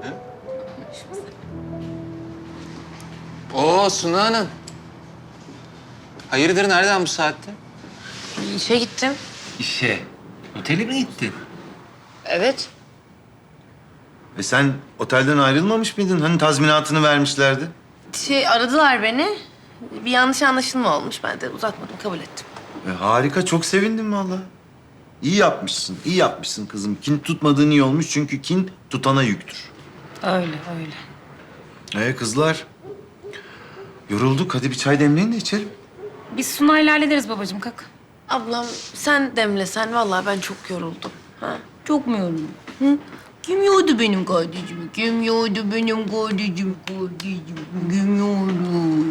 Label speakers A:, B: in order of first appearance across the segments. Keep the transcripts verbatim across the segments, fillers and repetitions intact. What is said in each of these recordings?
A: Oo Suna Hanım. Hayırdır, nereden bu saatte?
B: İşe gittim.
A: İşe. Otele mi gittin?
B: Evet.
C: E sen otelden ayrılmamış mıydın? Hani tazminatını vermişlerdi.
B: Şey aradılar beni. Bir yanlış anlaşılma olmuş. Ben de uzatmadım, kabul ettim.
C: E harika, çok sevindim vallahi. İyi yapmışsın, iyi yapmışsın kızım. Kin tutmadığın iyi olmuş çünkü kin tutana yüktür.
B: Öyle, öyle.
C: E kızlar, yorulduk. Hadi bir çay demleyin de içelim.
D: Biz Sunay'la hallederiz babacığım, kalk.
B: Ablam sen demlesen vallahi ben çok yoruldum. Ha?
D: Çok mu yoruldun? Hı? Kim yordu benim kardeşimi? Kim yordu benim kardeşim, kardeşim? Kim yordu?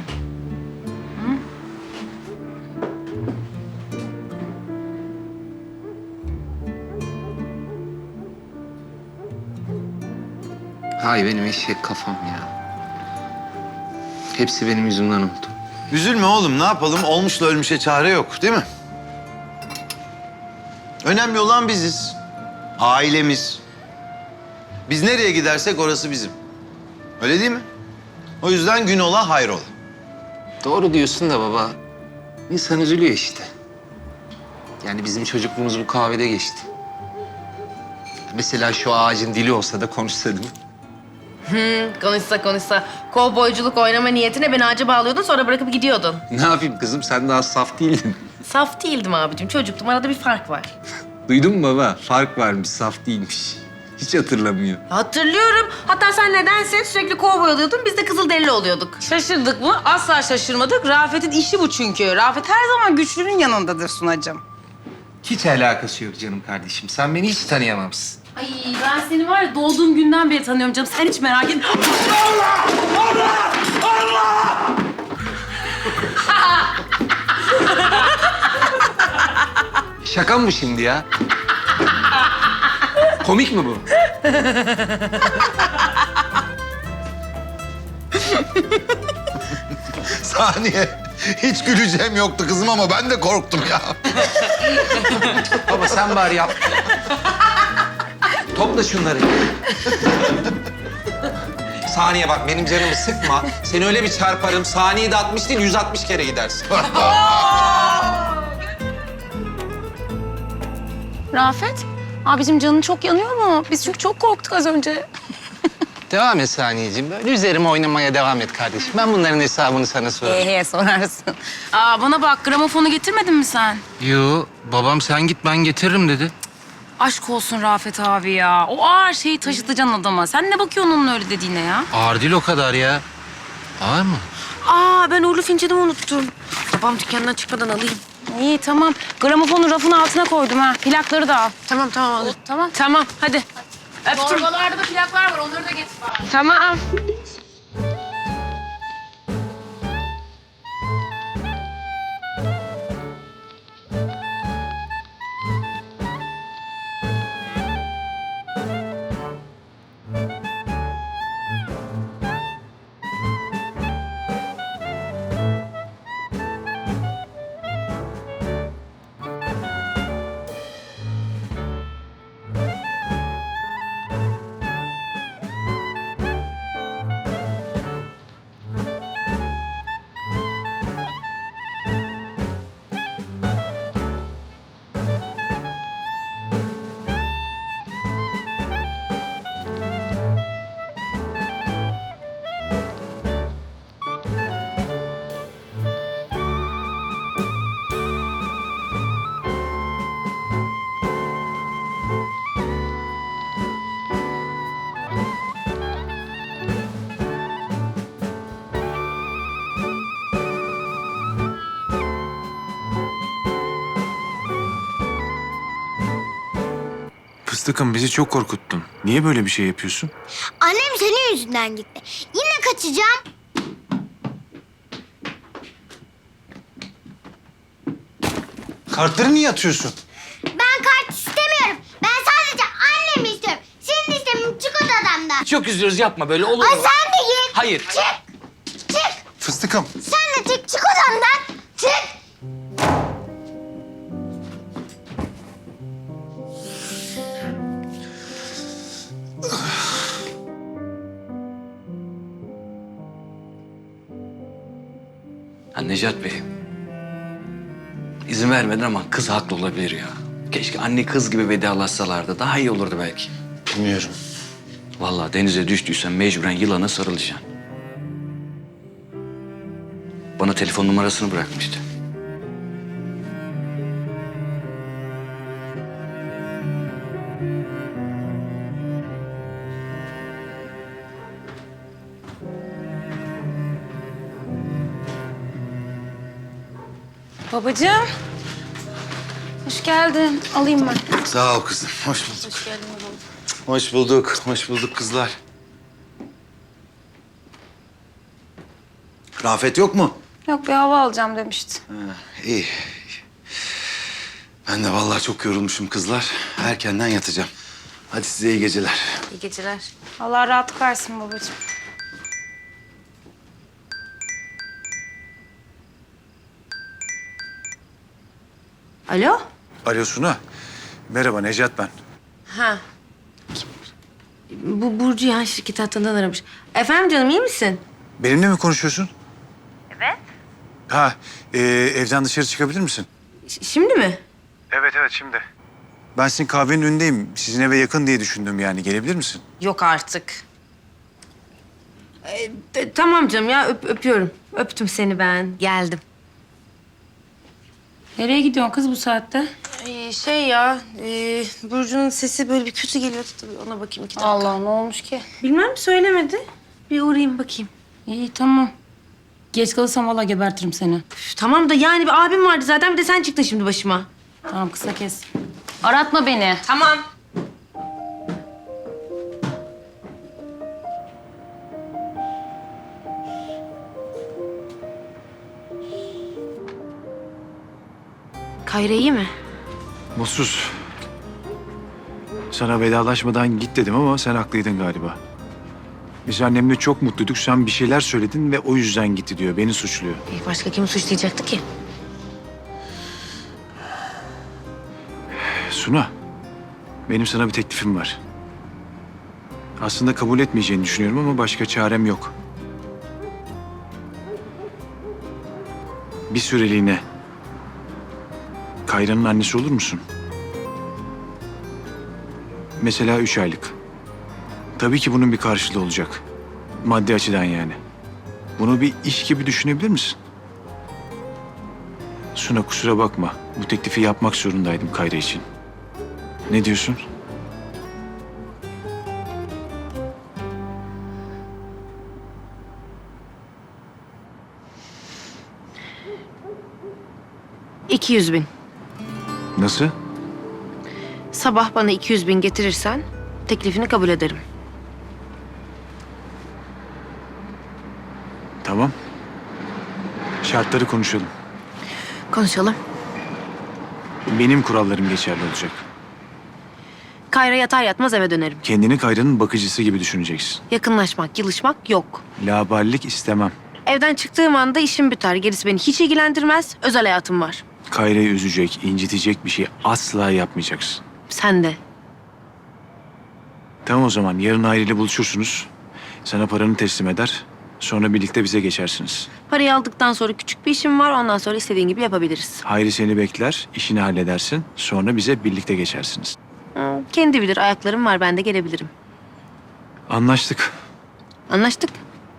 A: Hay benim eşek kafam ya. Hepsi benim yüzümden oldu.
C: Üzülme oğlum, ne yapalım? Olmuşla ölmüşe çare yok, değil mi? Önemli olan biziz. Ailemiz. Biz nereye gidersek orası bizim. Öyle değil mi? O yüzden gün ola hayrola.
A: Doğru diyorsun da baba. İnsan üzülüyor işte. Yani bizim çocukluğumuz bu kahvede geçti. Mesela şu ağacın dili olsa da konuşsa değil mi?
B: Hı, konuşsa konuşsa. Kovboyculuk oynama niyetine beni ağaca bağlıyordun, sonra bırakıp gidiyordun.
A: Ne yapayım kızım, sen daha saf değildin.
B: Saf değildim abicim, çocuktum. Arada bir fark var.
A: Duydun mu baba? Fark varmış, saf değilmiş. Hiç hatırlamıyor.
B: Hatırlıyorum. Hatta sen nedense sürekli kovboy oluyordun, biz de kızılderili oluyorduk.
D: Şaşırdık mı? Asla şaşırmadık. Rafet'in işi bu çünkü. Rafet her zaman güçlünün yanındadır Sunacığım.
A: Hiç alakası yok canım kardeşim. Sen beni hiç tanıyamamışsın.
D: Ay ben seni var ya doğduğum günden beri tanıyorum canım. Sen hiç merak etme.
A: Şaka mı bu şimdi ya? Komik mi bu?
C: Saniye. Hiç güleceğim yoktu kızım ama ben de korktum ya.
A: Baba sen bari yap. Topla şunları. Saniye bak, benim canımı sıkma. Seni öyle bir çarparım. Saniyede altmış değil, yüz altmış kere gidersin.
D: Rafet, abicim canın çok yanıyor mu? Biz çünkü çok korktuk az önce.
A: Devam et Saniyeciğim. Böyle üzerime oynamaya devam et kardeşim. Ben bunların hesabını sana sorarım.
D: Ee, sorarsın. Aa, bana bak, gramofonu getirmedin mi sen?
A: Yo, babam sen git ben getiririm dedi.
D: Aşk olsun Rafet abi ya. O ağır şeyi taşıtacaksın adama. Sen ne bakıyorsun onun öyle dediğine ya?
A: Ağır değil o kadar ya. Ağır mı?
B: Aa, ben uğurlu fincanımı unuttum. Babam dükkandan çıkmadan alayım.
D: İyi tamam. Gramofonu rafın altına koydum ha. Plakları da al.
B: Tamam, tamam alırım.
D: Tamam.
B: Tamam, hadi. Öptüm.
D: Torbalarda da plaklar var. Onları da getir bana.
B: Tamam.
E: Fıstıkım bizi çok korkuttun. Niye böyle bir şey yapıyorsun?
F: Annem senin yüzünden gitti. Yine kaçacağım.
C: Kartları niye atıyorsun?
F: Ben kart istemiyorum. Ben sadece annemi istiyorum. Senin istemin çık odamdan.
G: Çok üzülürüz, yapma böyle, olur
F: Ay
G: mu?
F: sen de git.
G: Hayır.
F: Çık. Çık.
C: Fıstıkım.
F: Sen de çık. Çık odamdan. Çık.
G: Ha Necat Bey. İzin vermedin ama kız haklı olabilir ya. Keşke anne kız gibi vedalaşsalardı. Daha iyi olurdu belki.
C: Bilmiyorum.
G: Vallahi denize düştüysen mecburen yılana sarılacaksın. Bana telefon numarasını bırakmıştı.
H: Babacığım. Hoş geldin. Alayım ben.
C: Sağ ol kızım. Hoş bulduk. Hoş geldin Hoş bulduk. Hoş bulduk kızlar. Rafet yok mu?
H: Yok bir hava alacağım demişti.
C: İyi. Ben de vallahi çok yorulmuşum kızlar. Erkenden yatacağım. Hadi size iyi geceler.
B: İyi geceler.
H: Allah rahatlık versin babacığım.
B: Alo?
E: Alo Suna. Merhaba Necat ben.
B: Ha. Bu Burcu ya şirket hattından aramış. Efendim canım iyi misin?
E: Benimle mi konuşuyorsun? Evet. Ha, e, evden dışarı çıkabilir misin?
B: Ş- şimdi mi?
E: Evet evet şimdi. Ben sizin kahvenin önündeyim. Sizin eve yakın diye düşündüm yani. Gelebilir misin?
B: Yok artık. Ee, t- tamam canım ya öp- öpüyorum. Öptüm seni ben. Geldim.
H: Nereye gidiyorsun kız bu saatte?
B: Ee, şey ya e, Burcu'nun sesi böyle bir kötü geliyordu tabii ona bakayım iki dakika.
H: Allah ne olmuş ki?
B: Bilmem söylemedi. Bir uğrayayım bakayım.
H: İyi tamam. Geç kalırsam valla gebertirim seni.
B: Üf, tamam da yani bir abim vardı zaten bir de sen çıktın şimdi başıma.
H: Tamam kısa kes. Aratma beni.
B: Tamam. Kayra iyi mi?
E: Mutsuz. Sana vedalaşmadan git dedim ama sen haklıydın galiba. Biz annemle çok mutluyduk. Sen bir şeyler söyledin ve o yüzden gitti diyor. Beni suçluyor.
B: Ee, başka kimi suçlayacaktı ki?
E: Suna, benim sana bir teklifim var. Aslında kabul etmeyeceğini düşünüyorum ama başka çarem yok. Bir süreliğine Kayra'nın annesi olur musun? Mesela üç aylık. Tabii ki bunun bir karşılığı olacak. Maddi açıdan yani. Bunu bir iş gibi düşünebilir misin? Suna kusura bakma. Bu teklifi yapmak zorundaydım Kayra için. Ne diyorsun?
B: İki yüz bin.
E: Nasıl?
B: Sabah bana iki yüz bin getirirsen teklifini kabul ederim.
E: Tamam. Şartları konuşalım.
B: Konuşalım.
E: Benim kurallarım geçerli olacak.
B: Kayra yatar yatmaz eve dönerim.
E: Kendini Kayra'nın bakıcısı gibi düşüneceksin.
B: Yakınlaşmak, yılışmak yok.
E: Laballik istemem.
B: Evden çıktığım anda işim biter. Gerisi beni hiç ilgilendirmez. Özel hayatım var.
E: Kayra'yı üzecek, incitecek bir şey asla yapmayacaksın.
B: Sen de.
E: Tamam o zaman yarın Hayri ile buluşursunuz. Sana paranı teslim eder. Sonra birlikte bize geçersiniz.
B: Parayı aldıktan sonra küçük bir işim var. Ondan sonra istediğin gibi yapabiliriz.
E: Hayri seni bekler, işini halledersin. Sonra bize birlikte geçersiniz.
B: Hı, kendi bilir. Ayaklarım var. Ben de gelebilirim.
E: Anlaştık.
B: Anlaştık.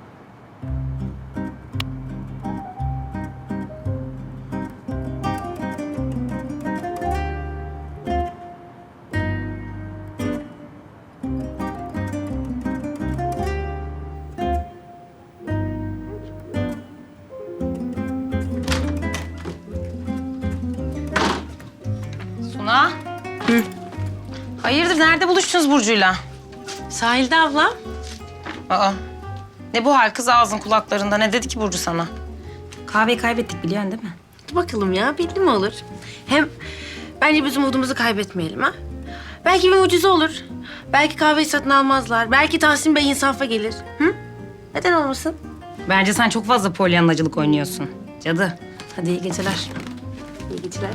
H: Suna. Hı. Hayırdır nerede buluştunuz Burcu'yla?
B: Sahilde abla.
H: Aa. Ne bu hal kız ağzın kulaklarında? Ne dedi ki Burcu sana? Kahveyi kaybettik biliyorsun değil mi?
B: Dur bakalım ya. Belli mi olur? Hem bence biz umudumuzu kaybetmeyelim ha. Belki bir mucize olur. Belki kahveyi satın almazlar. Belki Tahsin Bey insafa gelir. Hı? Neden olmasın?
H: Bence sen çok fazla polyanlacılık oynuyorsun. Cadı. Hadi iyi geceler.
B: İyi geceler.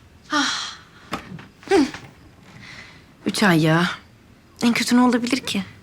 B: Ah. Üç ay ya. En kötü ne olabilir ki?